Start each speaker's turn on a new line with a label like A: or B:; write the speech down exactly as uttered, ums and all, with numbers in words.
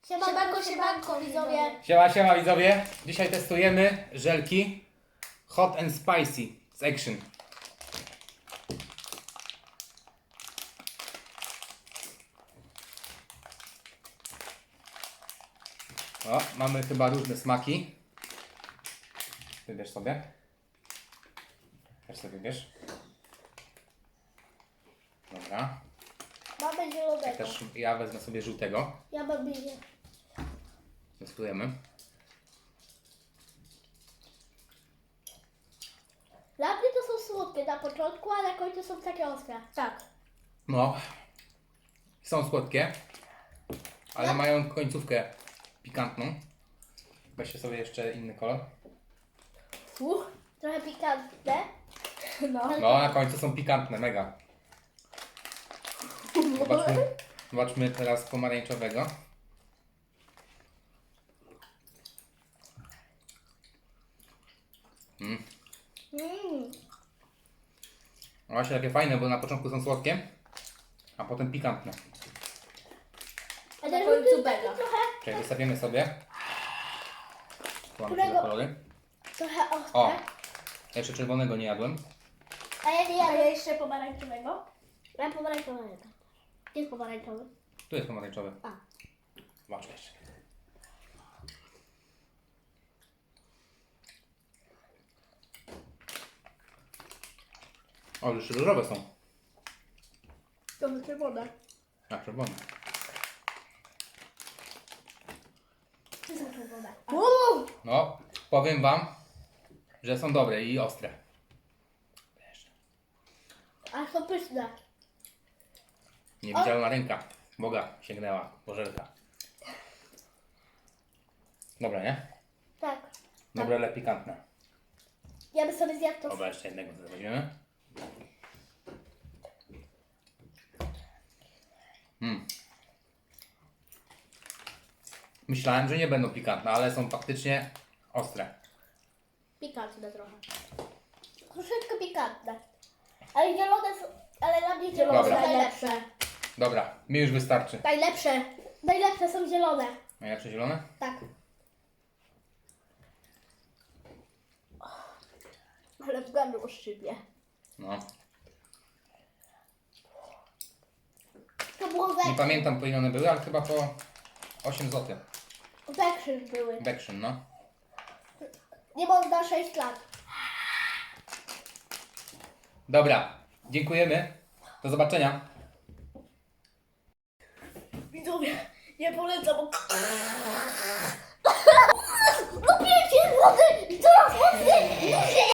A: Siemanko, siemanko, widzowie.
B: Siema, siema widzowie. Dzisiaj testujemy żelki Hot and Spicy z Action. O, mamy chyba różne smaki. Wybierz sobie. Też sobie wybierz. Dobra.
A: Mamy zielonego.
B: Też ja wezmę sobie żółtego.
A: Ja mam biję.
B: Testujemy.
A: Dla mnie to są słodkie na początku, a na końcu są takie ostre. Tak.
B: No, są słodkie, ale
A: No.
B: mają końcówkę pikantną. Weźcie sobie jeszcze inny kolor.
A: Uch, trochę pikantne. No.
B: No, na końcu są pikantne, mega. Zobaczmy, zobaczmy teraz pomarańczowego. Mm.
A: Mm.
B: No właśnie takie fajne, bo na początku są słodkie, a potem pikantne.
A: A
C: Na
A: ten
C: końcu
A: żółty taki
C: bega.
A: trochę,
B: Czyli wystawimy sobie. Tu mamy
A: Którego-
B: te kolory.
A: trochę ostre.
B: O, jeszcze czerwonego nie jadłem.
A: A ja nie
C: A ja
A: jadę.
C: jeszcze pomarańczowego.
A: Ja pomarańczowy. Gdzie jest pomarańczowy?
B: Tu jest pomarańczowy.
A: A.
B: Zobacz jeszcze. O, już różowe są.
C: To jest czerwone.
B: A, czerwone.
A: Czy są czerwone?
C: Uuu!
B: No, powiem wam, że są dobre i ostre.
A: A są pyszne.
B: Niewidzialna ręka Boga sięgnęła po żelka. Dobre, nie?
A: Tak.
B: Dobre, ale pikantne.
A: Ja bym sobie zjadł to.
B: Dobra, jeszcze jednego sobie weźmiemy. Mm. Myślałem, że nie będą pikantne, ale są faktycznie ostre.
A: Pikantne trochę. Troszeczkę pikantne. Ale zielone są, ale dla mnie zielone
B: Dobra.
A: są najlepsze.
B: Dobra, mi już wystarczy.
A: Najlepsze. Najlepsze są zielone.
B: Najlepsze zielone?
A: Tak.
C: Ale w gardło szczypie.
B: No.
A: To było
B: Nie
A: wekrzyn.
B: pamiętam, po ile one były, ale chyba po osiem złotych.
A: Wekrzyn były.
B: Bection, no.
A: Nie można sześć lat.
B: Dobra, dziękujemy. Do zobaczenia.
C: Widzowie, nie polecam. bo-